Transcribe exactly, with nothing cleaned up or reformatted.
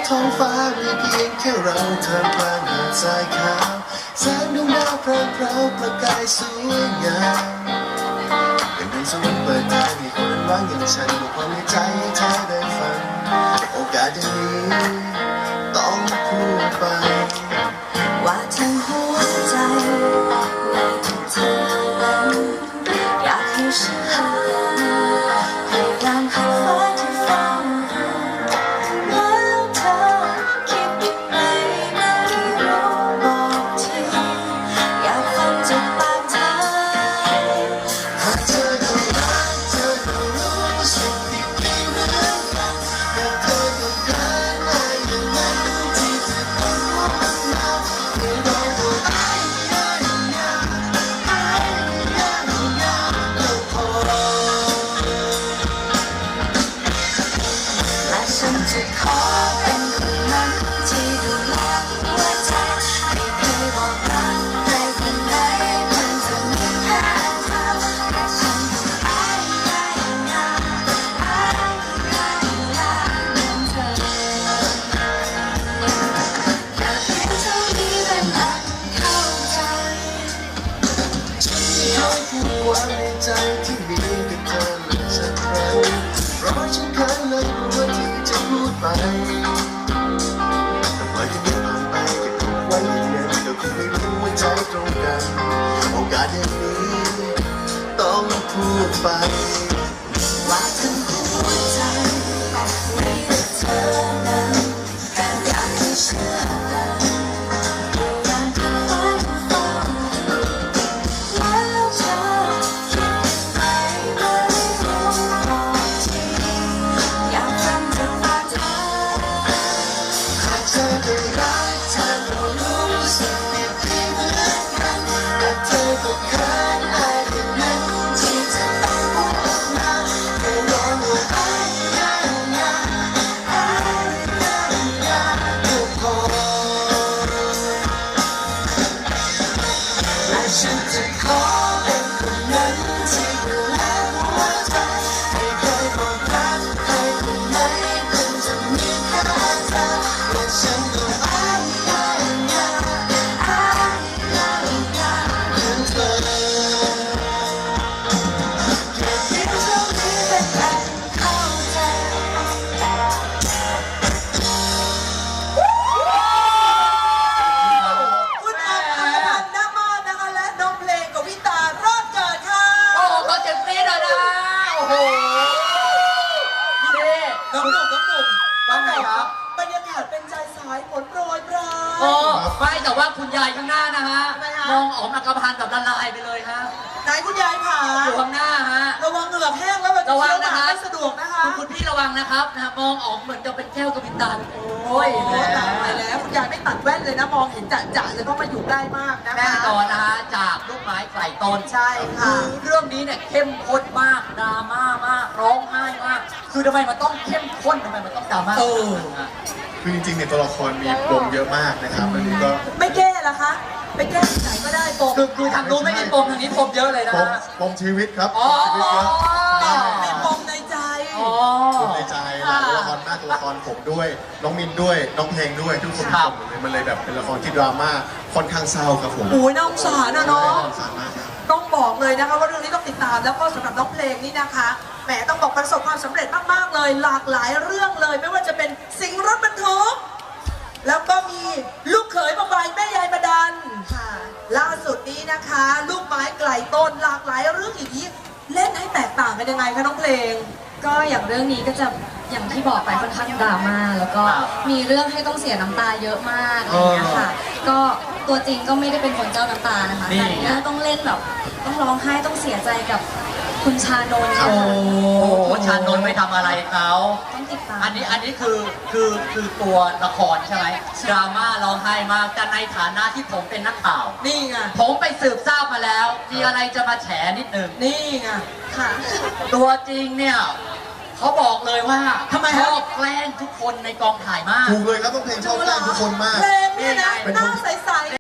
ท้องฟ้ามีเพียงแค่เราเธอกลางหาดทรายขาวแสงดวงดาวพรางพราวประกายสวยงามเป็นดวงสวรรค์เปิดทางให้คนว่างอย่างฉันบอกความในใจให้เธอได้ฟังโอกาสอย่างนี้ต้องพูดไปว่าทั้งหัวใจในทุกเธอนั้นอยากให้ฉันพยายามหาฟ้าที่ฟ้าแล้วเธอคิดยังไงไม่รู้บอกทีอยากฟังจากปากเธอหากเธอก็รักเธอก็รู้สิ่งดีๆเหมือนกันหากเธอก็เกินไปอย่างนั้นที่เธอต้องพูดมาไม่ได้บอกไอ้ยายยาไอ้ยายยาก็พอและฉันจะขอเป็นคนนั้นที่ดูแลหัวใจไม่เคยบอกรักใครคนไหนเพียงจะมีแค่เธอและฉันก็ไอ้ยายยาไอ้ยายยาเหมือนเธออยากให้เท่านี้เป็นอันเข้าใจฉันไม่เคยพูดความในใจที่มีกับเธอเลยสักครั้งเพราะฉันเคยเลยกลัวที่จะพูดไปแต่ปล่อยให้มันผ่านไปเก็บไว้อย่างนั้นเดี๋ยวคงไม่รู้ว่าใจตรงกันโอกาสอย่างนี้ต้องพูดไปว่าทั้งหัวใจมีแต่เธอนั้นอยากให้เชื่อกันอยากให้ฟ้าฟังแล้วเธอคิดยังไงไม่รู้บอกทีอยากฟังจากปากเธอหากเธอได้รักเธอก็รู้สึกดีๆเหมือนกันแต่เธอก็เขินอายอย่างนั้นที่จะต้องพูดออกมาแค่ร้องว่าไอ้ยายาไอ้ยายาก็พอและฉันจะขอเป็นคนนั้นที่ดูแลหัวใจไม่เคยบอกรักใครคนไหนเพิ่งจะมีแค่เธอและฉันก็ไอ้ยายาไอ้ยายาเหมือนเธอแค่คิดเท่านี้เป็นอันเข้าใจคุณออมอัครพันธ์ ณ มาศนะคะและน้องเพลงกวิตารอดเกิดค่ะโอ้โหเขาเจ็บซีดเลยนะโอ้โหนี่น้องหนุ่มน้องหนุ่มว่าไงครับบรรยากาศเป็นใจสายฝนโปรยปรายโอ้ไม่แต่ว่าคุณยายข้างหน้านะฮะทำไมฮะมองออกมากระพันกับละลายไปเลยฮะไหนคุณยายผาอยู่ข้างหน้าฮะระวังเหงือกแห้งแล้วมันจะระวังเคี้ยวหนะมากคะไม่สะดวกนะคะคุณคุณพี่ระวังนะครับนะมองออกเหมือนจะเป็นแก้วกระพินตาโอ้ยโอ้ตายแล้วคุณยายไม่ตัดแว่นเลยนะมองเห็นจะๆเลยเพราะมาอยู่ใกล้มากนะคะแน่นอนนะฮะจากลูกไม้ไกลต้นใช่ค่ะคือเรื่องนี้เนี่ยเข้มข้นมากดราม่ามากร้องไห้มาก คือทำไมมันต้องเข้มข้นทำไมมันต้องดราม่าเออคือจริงๆเนี่ยตัวละครมีปมเยอะมากนะครับอันนี้ก็ไม่แก้ละคะไปแก้ที่ไหนก็ได้ปมคือคือทางนู้นไม่มีปมทางนี้ปมเยอะเลยนะปมฮะปมชีวิตครับอ๋อชีวิตเยอะใช่มีปมในใจอ๋อปมในใจหลายตัวละครมากตัวละครผมด้วยน้องมินด้วยน้องเพลงด้วยทุกคนครับผมเลยมันเลยแบบเป็นละครที่ดราม่าค่อนข้างเศร้าครับผมโอ้ยน่าสงสารนะเนาะสงสารมากครับต้องบอกเลยนะคะว่าเรื่องนี้ต้องติดตามแล้วก็สำหรับน้องเพลงนี่นะคะแหมต้องบอกประสบความสำเร็จมากๆเลย หลากหลายเรื่องเลย ไม่ว่าจะเป็นสิงห์รถบรรทุกแล้วก็มีลูกเขยมาใบแม่ยายมาดันค่ะล่าสุดนี้นะคะ ลูกไม้ไกลต้นหลากหลายเรื่องอย่างนี้เล่นให้แตกต่างกันยังไงคะน้องเพลงก็อย่างเรื่องนี้ก็จะอย่างที่บอกไปค่อนข้างดราม่าแล้วก็ครับมีเรื่องให้ต้องเสียน้ำตาเยอะมากอะไรอย่างเงี้ยค่ะ ก็ตัวจริงก็ไม่ได้เป็นคนเจ้าน้ำตานะคะนี่แต่เรื่องต้องเล่นแบบต้องร้องไห้ต้องเสียใจกับคุณชานนท์โอ้ค่ะโหชานนท์ไปทำอะไรเขาต้องติดตามอันนี้อันนี้คือคือคือตัวละครใช่ไหมดราม่าร้องไห้มากแต่ในฐานะที่ผมเป็นนักข่าวนี่ไงผมไปสืบทราบมาแล้ว มีอะไรจะมาแฉนิดหนึ่งนี่ไงค่ะตัวจริงเนี่ยเขาบอกเลยว่าทำไมชฮะอบแกล้งทุกคนในกองถ่ายมากถูกเลยครับต้องเพลงชอบแกล้งทุกคนมากเพลงเนี่ยนะเป็นหคนน้าใสๆ